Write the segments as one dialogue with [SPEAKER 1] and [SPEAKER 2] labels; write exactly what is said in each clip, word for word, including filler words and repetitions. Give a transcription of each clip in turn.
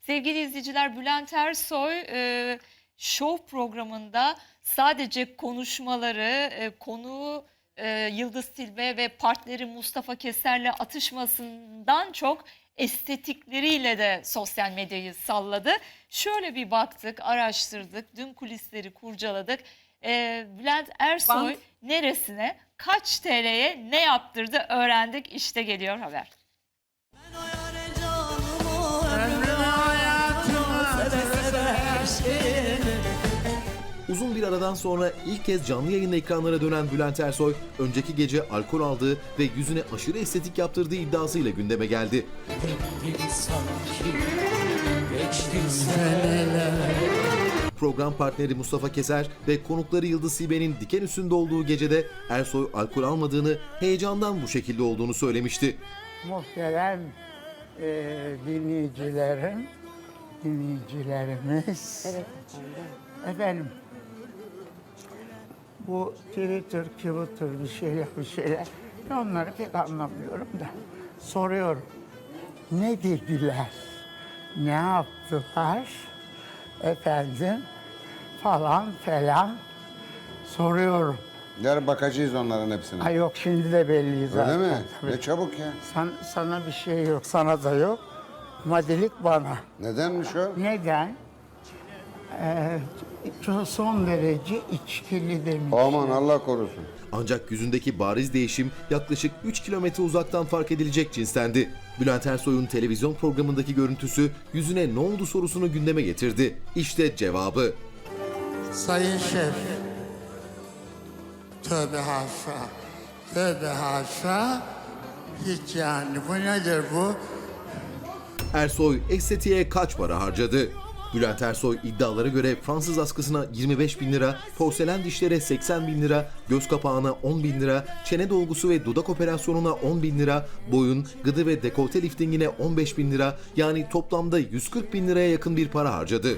[SPEAKER 1] Sevgili izleyiciler, Bülent Ersoy e, Show programında sadece konuşmaları, e, konuğu e, Yıldız Tilbe ve partneri Mustafa Keser'le atışmasından çok estetikleriyle de sosyal medyayı salladı. Şöyle bir baktık, araştırdık, dün kulisleri kurcaladık. E, Bülent Ersoy
[SPEAKER 2] Bant.
[SPEAKER 1] neresine, kaç T L'ye ne yaptırdı öğrendik. İşte geliyor haber.
[SPEAKER 3] Uzun bir aradan sonra ilk kez canlı yayın ekranlara dönen Bülent Ersoy, önceki gece alkol aldığı ve yüzüne aşırı estetik yaptırdığı iddiasıyla gündeme geldi. Program partneri Mustafa Keser ve konukları Yıldız Tilbe'nin diken üstünde olduğu gecede Ersoy alkol almadığını, heyecandan bu şekilde olduğunu söylemişti.
[SPEAKER 4] Muhterem e, dinleyicilerim, dinleyicilerimiz. Evet efendim. Efendim, bu Twitter, Twitter bir şeyler bir şeyler. Ben onları pek anlamıyorum da soruyorum. Ne dediler? Ne yaptılar? Efendim falan falan soruyorum.
[SPEAKER 5] Yarın bakacağız onların hepsine.
[SPEAKER 4] Ay yok, şimdi de belli zaten.
[SPEAKER 5] Öyle mi?
[SPEAKER 4] Tabii.
[SPEAKER 5] Ne çabuk ya.
[SPEAKER 4] San, sana bir şey yok, sana da yok. Madilik bana.
[SPEAKER 5] Nedenmiş o?
[SPEAKER 4] Neden? Ee, çok son derece içkili demiş.
[SPEAKER 5] Aman Allah korusun.
[SPEAKER 3] Ancak yüzündeki bariz değişim yaklaşık üç kilometre uzaktan fark edilecek cinstendi. Bülent Ersoy'un televizyon programındaki görüntüsü yüzüne ne oldu sorusunu gündeme getirdi. İşte cevabı.
[SPEAKER 4] Sayın Şef, tövbe haşa, tövbe haşa, hiç yani bu nedir bu?
[SPEAKER 3] Ersoy estetiğe kaç para harcadı? Bülent Ersoy iddialara göre Fransız askısına yirmi beş bin lira, porselen dişlere seksen bin lira, göz kapağına on bin lira, çene dolgusu ve dudak operasyonuna on bin lira, boyun, gıdı ve dekolte liftingine on beş bin lira, yani toplamda yüz kırk bin liraya yakın bir para harcadı.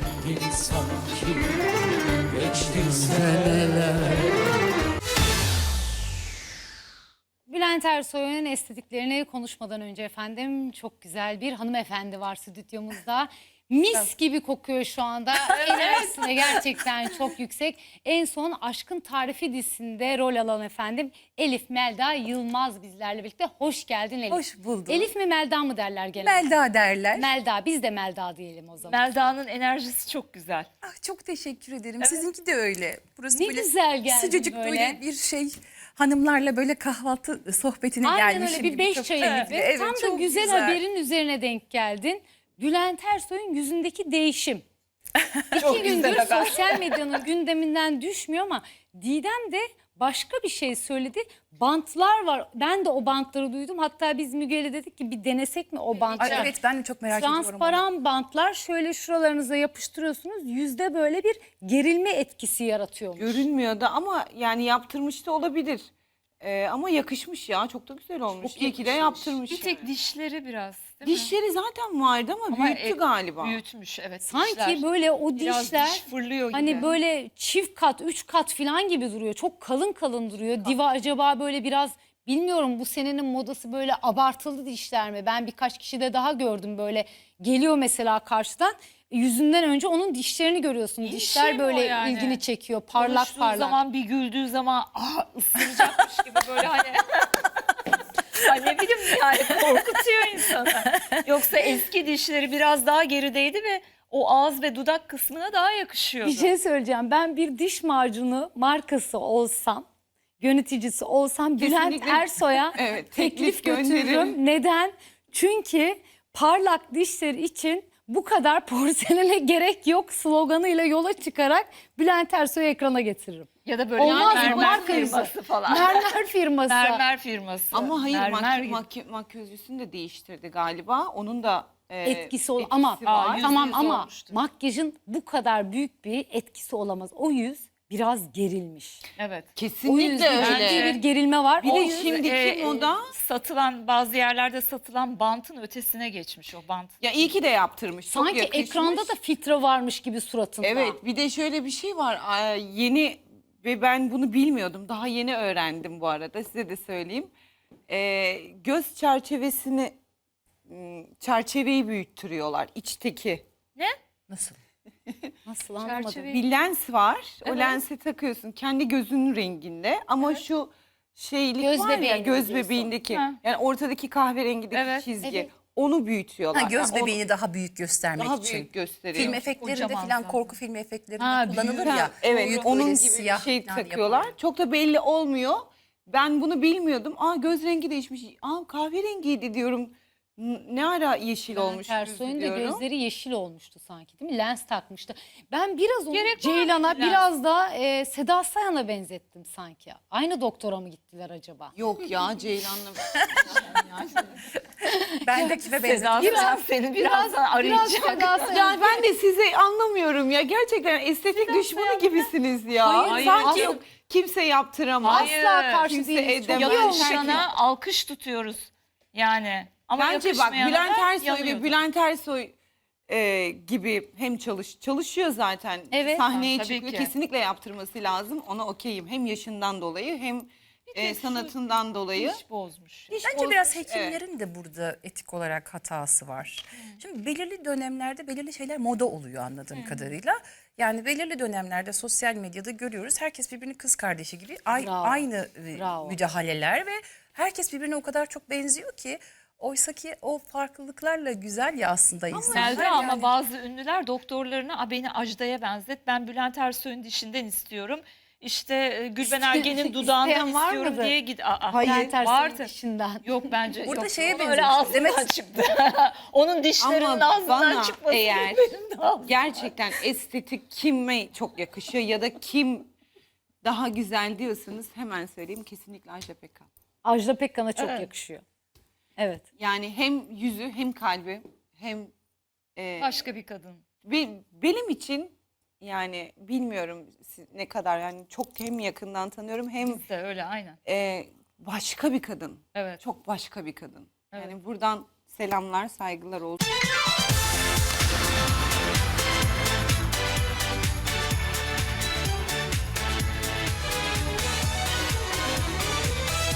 [SPEAKER 2] Bülent Ersoy'un estetiklerini konuşmadan önce efendim çok güzel bir hanımefendi var stüdyomuzda. Mis gibi kokuyor şu anda. Enerjisi de gerçekten çok yüksek. En son Aşkın Tarifi dizisinde rol alan efendim Elif Melda Yılmaz bizlerle birlikte. Hoş geldin Elif.
[SPEAKER 6] Hoş bulduk.
[SPEAKER 2] Elif mi Melda mı derler genelde?
[SPEAKER 6] Melda derler.
[SPEAKER 2] Melda, biz de Melda diyelim o zaman.
[SPEAKER 1] Melda'nın enerjisi çok güzel.
[SPEAKER 6] Ah, çok teşekkür ederim. Sizinki de öyle. Burası
[SPEAKER 2] Ne
[SPEAKER 6] böyle
[SPEAKER 2] güzel geldin
[SPEAKER 6] sıcacık
[SPEAKER 2] böyle.
[SPEAKER 6] böyle. bir şey. Hanımlarla böyle kahvaltı sohbetine
[SPEAKER 2] Aynen
[SPEAKER 6] gelmişim
[SPEAKER 2] öyle bir
[SPEAKER 6] gibi.
[SPEAKER 2] beş
[SPEAKER 6] Çok-
[SPEAKER 2] çayı
[SPEAKER 6] Evet,
[SPEAKER 2] gibi.
[SPEAKER 6] evet,
[SPEAKER 2] Tam da
[SPEAKER 6] çok
[SPEAKER 2] güzel, haberin üzerine denk geldin. Bülent Ersoy'un yüzündeki değişim. İki gündür sosyal medyanın gündeminden düşmüyor ama Didem de başka bir şey söyledi. Bantlar var. Ben de o bantları duydum. Hatta biz Müge'yle dedik ki bir denesek mi o bantları?
[SPEAKER 6] Ay, evet, ben de çok merak ediyorum onu.
[SPEAKER 2] Transparan bantlar şöyle şuralarınıza yapıştırıyorsunuz. Yüzde böyle bir gerilme etkisi yaratıyormuş.
[SPEAKER 7] Görünmüyor da ama yani yaptırmış da olabilir. Ee, ama yakışmış ya, çok da güzel olmuş.
[SPEAKER 1] Çok
[SPEAKER 7] İyi ki de
[SPEAKER 1] yakışmış.
[SPEAKER 7] yaptırmış.
[SPEAKER 1] Bir tek
[SPEAKER 7] yani.
[SPEAKER 1] dişleri biraz, değil mi?
[SPEAKER 7] Dişleri zaten vardı ama,
[SPEAKER 1] Ama
[SPEAKER 7] büyüttü
[SPEAKER 1] e,
[SPEAKER 7] galiba.
[SPEAKER 1] Büyütmüş, evet.
[SPEAKER 2] Sanki
[SPEAKER 1] dişler.
[SPEAKER 2] böyle o
[SPEAKER 1] Biraz
[SPEAKER 2] dişler
[SPEAKER 1] diş fırlıyor gibi.
[SPEAKER 2] hani böyle çift kat, üç kat falan gibi duruyor. Çok kalın kalın duruyor. Diva acaba böyle biraz, bilmiyorum, bu senenin modası böyle abartılı dişler mi? Ben birkaç kişide daha gördüm böyle. Geliyor mesela karşıdan. Yüzünden önce onun dişlerini görüyorsun.
[SPEAKER 1] İyi
[SPEAKER 2] Dişler
[SPEAKER 1] şey mi o
[SPEAKER 2] böyle
[SPEAKER 1] yani?
[SPEAKER 2] ilgini çekiyor. Parlak
[SPEAKER 1] Konuştuğu
[SPEAKER 2] parlak.
[SPEAKER 1] zaman, bir güldüğü zaman ah, ısıracakmış gibi böyle hani. Ay ne bileyim yani, korkutuyor insanı. Yoksa eski dişleri biraz daha gerideydi ve o ağız ve dudak kısmına daha yakışıyordu.
[SPEAKER 2] Bir şey söyleyeceğim. Ben bir diş macunu markası olsam, yöneticisi olsam Bülent
[SPEAKER 7] Kesinlikle.
[SPEAKER 2] Ersoy'a
[SPEAKER 7] Evet,
[SPEAKER 2] teklif
[SPEAKER 7] teklif gönderirim.
[SPEAKER 2] götürürüm. Neden? Çünkü parlak dişler için bu kadar porselene gerek yok sloganıyla yola çıkarak Bülent Ersoy'u ekrana getiririm.
[SPEAKER 1] Ya da böyle
[SPEAKER 2] Olmaz mı?
[SPEAKER 1] mermer
[SPEAKER 2] Marka
[SPEAKER 1] firması falan.
[SPEAKER 2] Mermer firması.
[SPEAKER 1] Mermer firması.
[SPEAKER 7] Ama hayır,
[SPEAKER 1] Mermer
[SPEAKER 7] maky
[SPEAKER 1] gibi.
[SPEAKER 7] maky makyözcüsünü de değiştirdi galiba. Onun da e,
[SPEAKER 2] etkisi ol
[SPEAKER 7] etkisi
[SPEAKER 2] ama
[SPEAKER 7] var.
[SPEAKER 1] Aa, yüzde
[SPEAKER 2] tamam
[SPEAKER 1] yüz
[SPEAKER 2] ama
[SPEAKER 1] olmuştur.
[SPEAKER 2] makyajın bu kadar büyük bir etkisi olamaz. O yüz biraz gerilmiş.
[SPEAKER 1] Evet.
[SPEAKER 2] O
[SPEAKER 7] Kesinlikle
[SPEAKER 2] yüzden
[SPEAKER 7] öyle.
[SPEAKER 2] ciddi bir gerilme var.
[SPEAKER 7] Bir
[SPEAKER 2] O
[SPEAKER 7] de
[SPEAKER 2] yüz-
[SPEAKER 7] şimdiki
[SPEAKER 1] e,
[SPEAKER 7] moda.
[SPEAKER 1] Satılan, bazı yerlerde satılan bantın ötesine geçmiş o bant.
[SPEAKER 7] Ya iyi ki de yaptırmış. Çok
[SPEAKER 2] sanki
[SPEAKER 7] yakışmış.
[SPEAKER 2] ekranda da filtre varmış gibi suratında.
[SPEAKER 7] Evet, bir de şöyle bir şey var. Aa, yeni ve ben bunu bilmiyordum. Daha yeni öğrendim bu arada. Size de söyleyeyim. Ee, göz çerçevesini m, çerçeveyi büyüttürüyorlar içteki.
[SPEAKER 6] Nasıl?
[SPEAKER 2] Nasıl anlamadım.
[SPEAKER 1] Çerçeve-
[SPEAKER 7] Bir lens var. O
[SPEAKER 1] Evet.
[SPEAKER 7] lensi takıyorsun kendi gözünün renginde ama şu şeylik
[SPEAKER 2] Göz
[SPEAKER 7] var ya
[SPEAKER 2] bebeğini
[SPEAKER 7] göz
[SPEAKER 2] diyorsun.
[SPEAKER 7] bebeğindeki
[SPEAKER 1] Ha.
[SPEAKER 7] yani ortadaki kahverengideki
[SPEAKER 1] Evet,
[SPEAKER 7] çizgi
[SPEAKER 2] evet.
[SPEAKER 7] onu büyütüyorlar.
[SPEAKER 6] Ha, göz
[SPEAKER 7] Yani onu
[SPEAKER 6] bebeğini daha büyük göstermek
[SPEAKER 7] daha
[SPEAKER 6] için.
[SPEAKER 7] büyük gösteriyor.
[SPEAKER 6] Film efektlerinde
[SPEAKER 1] Kocaman
[SPEAKER 6] falan
[SPEAKER 1] zaten.
[SPEAKER 6] korku film efektlerinde
[SPEAKER 1] Ha,
[SPEAKER 6] kullanılır
[SPEAKER 1] büyük.
[SPEAKER 6] ya.
[SPEAKER 7] Ha, evet
[SPEAKER 6] büyük
[SPEAKER 7] onun
[SPEAKER 6] böyle
[SPEAKER 7] gibi bir
[SPEAKER 6] siyah
[SPEAKER 7] şey
[SPEAKER 6] falan
[SPEAKER 7] takıyorlar.
[SPEAKER 6] yapılıyor.
[SPEAKER 7] Çok da belli olmuyor. Ben bunu bilmiyordum. Aa göz rengi değişmiş. Aa kahverengiydi diyorum. N- Ne ara yeşil
[SPEAKER 2] Bülent
[SPEAKER 7] olmuş
[SPEAKER 2] Ersoy'un da
[SPEAKER 7] diyorum.
[SPEAKER 2] gözleri yeşil olmuştu sanki değil mi? Lens takmıştı. Ben biraz onu
[SPEAKER 1] Gerek var
[SPEAKER 2] Ceylan'a
[SPEAKER 1] mıydı lens?
[SPEAKER 2] biraz da e, Seda Sayan'a benzettim sanki. Aynı doktora mı gittiler acaba?
[SPEAKER 7] Yok ya Ceylan'la.
[SPEAKER 6] Ben de kime
[SPEAKER 1] Seda
[SPEAKER 6] benzettim?
[SPEAKER 1] Sayan seni birazdan arayacak.
[SPEAKER 2] Biraz Seda Sayan.
[SPEAKER 7] Ya ben de sizi anlamıyorum ya. Gerçekten estetik düşmanı gibisiniz ya.
[SPEAKER 2] Hayır,
[SPEAKER 7] Sanki
[SPEAKER 2] hayır.
[SPEAKER 7] yok kimse yaptıramaz.
[SPEAKER 1] Hayır,
[SPEAKER 2] Asla karşı
[SPEAKER 7] kimse
[SPEAKER 2] değiliz. Çok
[SPEAKER 7] edemez.
[SPEAKER 2] iyi
[SPEAKER 7] Yalan
[SPEAKER 2] olmuş.
[SPEAKER 1] Yakışana alkış tutuyoruz. Yani ama
[SPEAKER 7] Bence bak
[SPEAKER 1] yakışmayana
[SPEAKER 7] Bülent
[SPEAKER 1] da
[SPEAKER 7] Ersoy ve
[SPEAKER 1] yanıyordu.
[SPEAKER 7] Bülent Ersoy e, gibi hem çalış çalışıyor zaten.
[SPEAKER 2] Evet,
[SPEAKER 7] Sahneye
[SPEAKER 1] tabii
[SPEAKER 7] çıkıyor.
[SPEAKER 1] ki.
[SPEAKER 7] Kesinlikle yaptırması lazım. Ona okeyim. Hem yaşından dolayı hem e, sanatından dolayı.
[SPEAKER 1] İş bozmuş.
[SPEAKER 7] İş
[SPEAKER 6] Bence biraz
[SPEAKER 7] bozmuş,
[SPEAKER 6] hekimlerin de burada etik olarak hatası var. Şimdi belirli dönemlerde belirli şeyler moda oluyor anladığım kadarıyla. Yani belirli dönemlerde sosyal medyada görüyoruz. Herkes birbirini kız kardeşi gibi ay-
[SPEAKER 2] Bravo.
[SPEAKER 6] aynı e,
[SPEAKER 2] Bravo.
[SPEAKER 6] müdahaleler ve herkes birbirine o kadar çok benziyor ki oysa ki o farklılıklarla güzel ya aslında insanlar.
[SPEAKER 1] Selda ama
[SPEAKER 6] yani.
[SPEAKER 1] bazı ünlüler doktorlarına "A, beni Ajda'ya benzet. Ben Bülent Ersoy'un dişinden istiyorum. İşte e, Gülben Ergen'in dudağından
[SPEAKER 2] İsteyen var
[SPEAKER 1] istiyorum"
[SPEAKER 2] mıdır?
[SPEAKER 1] diye git. Aa,
[SPEAKER 2] Bülent Ersoy'un
[SPEAKER 1] vardı.
[SPEAKER 2] dişinden.
[SPEAKER 1] Yok bence.
[SPEAKER 6] Burada
[SPEAKER 1] yok.
[SPEAKER 6] şeye
[SPEAKER 1] Ona öyle
[SPEAKER 6] benziyor.
[SPEAKER 1] ağzından
[SPEAKER 6] Demet-
[SPEAKER 1] çıktı. Onun dişlerinin
[SPEAKER 7] Ama
[SPEAKER 1] ağzından
[SPEAKER 7] bana
[SPEAKER 1] çıkması.
[SPEAKER 7] eğer
[SPEAKER 1] benim de ağzımdan.
[SPEAKER 7] gerçekten estetik kime çok yakışıyor ya da kim daha güzel diyorsanız hemen söyleyeyim kesinlikle Ajda Pekkan.
[SPEAKER 2] Ajda Pekkan'a çok
[SPEAKER 1] Evet.
[SPEAKER 2] yakışıyor. Evet.
[SPEAKER 7] Yani hem yüzü hem kalbi hem e,
[SPEAKER 1] Başka bir kadın.
[SPEAKER 7] Be- benim için yani bilmiyorum siz ne kadar yani çok hem yakından tanıyorum hem
[SPEAKER 1] Biz de öyle aynen.
[SPEAKER 7] e, başka bir kadın.
[SPEAKER 1] Evet.
[SPEAKER 7] Çok başka bir kadın.
[SPEAKER 1] Evet.
[SPEAKER 7] Yani buradan selamlar, saygılar olsun.